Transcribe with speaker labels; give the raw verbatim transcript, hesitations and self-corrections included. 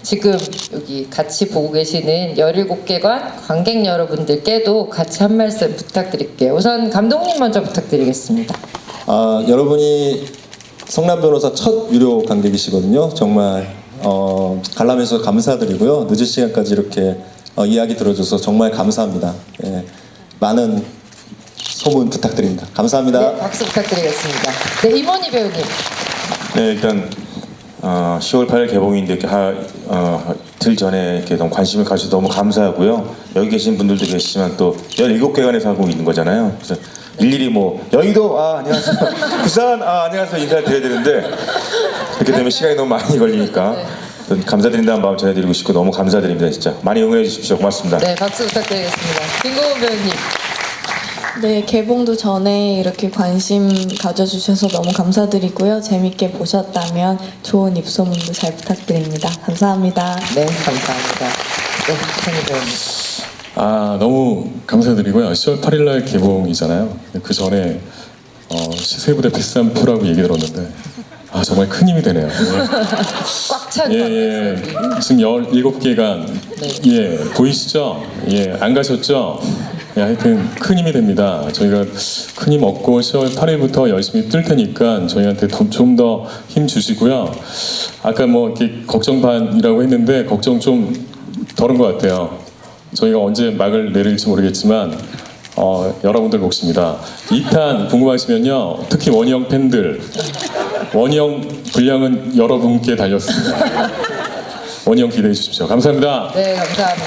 Speaker 1: 지금 여기 같이 보고 계시는 열일곱 개관 관객 여러분들께도 같이 한 말씀 부탁드릴게요. 우선 감독님 먼저 부탁드리겠습니다.
Speaker 2: 아, 여러분이 성남 변호사 첫 유료 관객이시거든요. 정말 어, 관람해주셔서 감사드리고요. 늦은 시간까지 이렇게 어, 이야기 들어줘서 정말 감사합니다. 예, 많은 소문 부탁드립니다. 감사합니다.
Speaker 1: 네, 박수 부탁드리겠습니다. 네, 임원희 배우님.
Speaker 3: 네, 일단 어, 시월 팔일 개봉인데 이렇게 하, 어, 이틀 전에 이렇게 너무 관심을 가져서 너무 감사하고요. 여기 계신 분들도 계시지만 또 열일곱 개관에서 하고 있는 거잖아요. 그래서 일일이 뭐 여의도 아 안녕하세요, 부산 아 안녕하세요 인사를 드려야 되는데 이렇게 되면 시간이 너무 많이 걸리니까
Speaker 1: 네.
Speaker 3: 감사드린다는 마음 전해드리고 싶고 너무 감사드립니다. 진짜 많이 응원해 주십시오. 고맙습니다.
Speaker 1: 네, 박수 부탁드리겠습니다. 김고은 배우님.
Speaker 4: 네, 개봉도 전에 이렇게 관심 가져주셔서 너무 감사드리고요. 재밌게 보셨다면 좋은 입소문도 잘 부탁드립니다. 감사합니다.
Speaker 1: 네, 감사합니다. 네, 박찬희 배우님.
Speaker 5: 아, 너무 감사드리고요. 시월 팔일날 개봉이잖아요. 그 전에 어, 시세부대 비싼 표라고 얘기 들었는데 아, 정말 큰 힘이 되네요.
Speaker 1: 꽉 찬
Speaker 5: 예,
Speaker 1: 관객석이.
Speaker 5: 예. 지금 열일곱 개간
Speaker 1: 네.
Speaker 5: 예, 보이시죠? 예, 안 가셨죠? 예, 하여튼 큰 힘이 됩니다. 저희가 큰 힘 얻고 시월 팔일부터 열심히 뜰 테니까 저희한테 좀 더 힘 주시고요. 아까 뭐 이렇게 걱정 반이라고 했는데 걱정 좀 덜은 것 같아요. 저희가 언제 막을 내릴지 모르겠지만 어, 여러분들 몫입니다. 이 탄 궁금하시면요. 특히 원희형 팬들 원희형 분량은 여러분께 달렸습니다. 원희형 기대해 주십시오. 감사합니다.
Speaker 1: 네, 감사합니다.